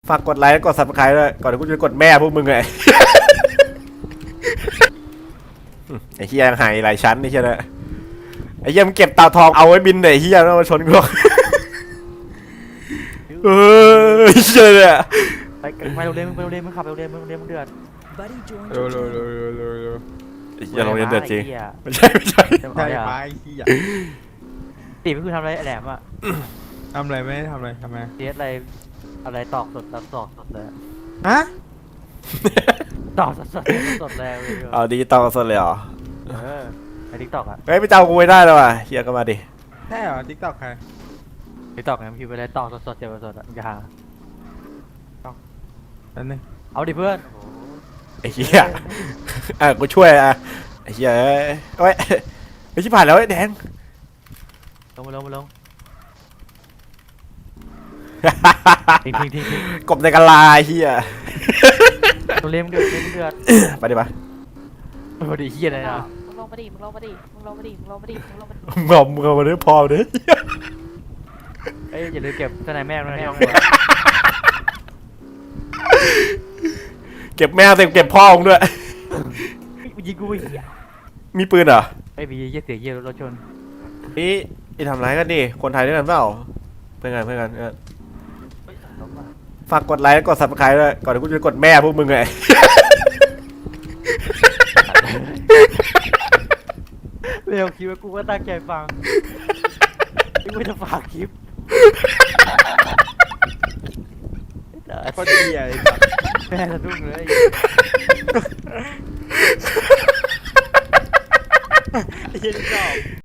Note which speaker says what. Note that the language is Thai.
Speaker 1: ฝากกดไลค์และกด subscribe ด้วยก่อนที่กูจะกดแม่พวกมึงไง ไอ้เฮียยังหายหลายชั้นนี่ใช่ไหมไอ้เฮียมันเก็บเต่าทองเอาไว้บินไอ้เฮียแล้วมาชนกูเชื่อเลยอะ
Speaker 2: ไปโรงเรียนมึงไปโรงเรียนมึงขับไปโรงเรียนมึงเดือด
Speaker 1: เร็วอย่าลงเรียนเดือดจริงไม่ใช่
Speaker 2: ใช่
Speaker 3: ใช่ไปขี้อ่ะ
Speaker 2: ตีไม่คือทำอะไรแหลมอ่ะ
Speaker 3: ทำอะไรไม่ได้ทำอะไรทำไม
Speaker 2: เสียอะไรตอกสดตอกสดเลย
Speaker 3: ฮะ
Speaker 2: ตอกสดเลย
Speaker 1: เอาดิจิตอลสดเลยเหรอ
Speaker 2: ไอ้ทิกตอกอ่ะ
Speaker 1: เฮ้ยไปเจ้ากูไม่ได้แล้วว่ะเฮียก็มาดิ
Speaker 3: ใช่เหรอทิกตอกใคร
Speaker 2: ทิกตอกไงมันพิมพ์ไปเลยตอกสดเจ็บสดอ่ะมึงจะหา
Speaker 3: นั่นนึง
Speaker 2: เอาดิเพื่อน
Speaker 1: ไอ้เฮียกูช่วยไอ้เฮียเอ้ยไอ้ชิบหายแล้วไอ้แดง
Speaker 2: ลงทิ้ง
Speaker 1: กบในกะลาเฮีย
Speaker 2: โรงเรียนมึงเดือด
Speaker 1: ไปดิปะ
Speaker 2: พอดีเฮียเลยนะ
Speaker 4: มึงลงมาดิ มึงลงมาดิ มึงลงมาดิ มึงลงมาดิ มึงลงมาดิ
Speaker 1: มึงเอามาเนื้อพอเนื้อ
Speaker 2: เอ้ยอย่าลืมเก็บทนายแม่งนะ
Speaker 1: เก็บแม่เก็บพ่อมึงด้วย
Speaker 2: ยิงกูเฮีย
Speaker 1: มีปืนเหรอ
Speaker 2: ไอ้บีเยี่ยเสียเยี่ยรถชน
Speaker 1: นี่ทำร้ายกันดิคนไทยด้วยกันเปล่าเพื่อนกันฝากกดไลค์และกด subscribe ด้วยก่อนที่กูจะกดแม่พวกมึงไง
Speaker 2: เร็วคิดว่ากูก็ตั้งใจฟังไม่จะฝากคลิป
Speaker 3: ไอ้คนเดียไอ้สัส
Speaker 2: แม่สะดุ้งเลย
Speaker 3: ไอ้เหี้ยนี่ชอบ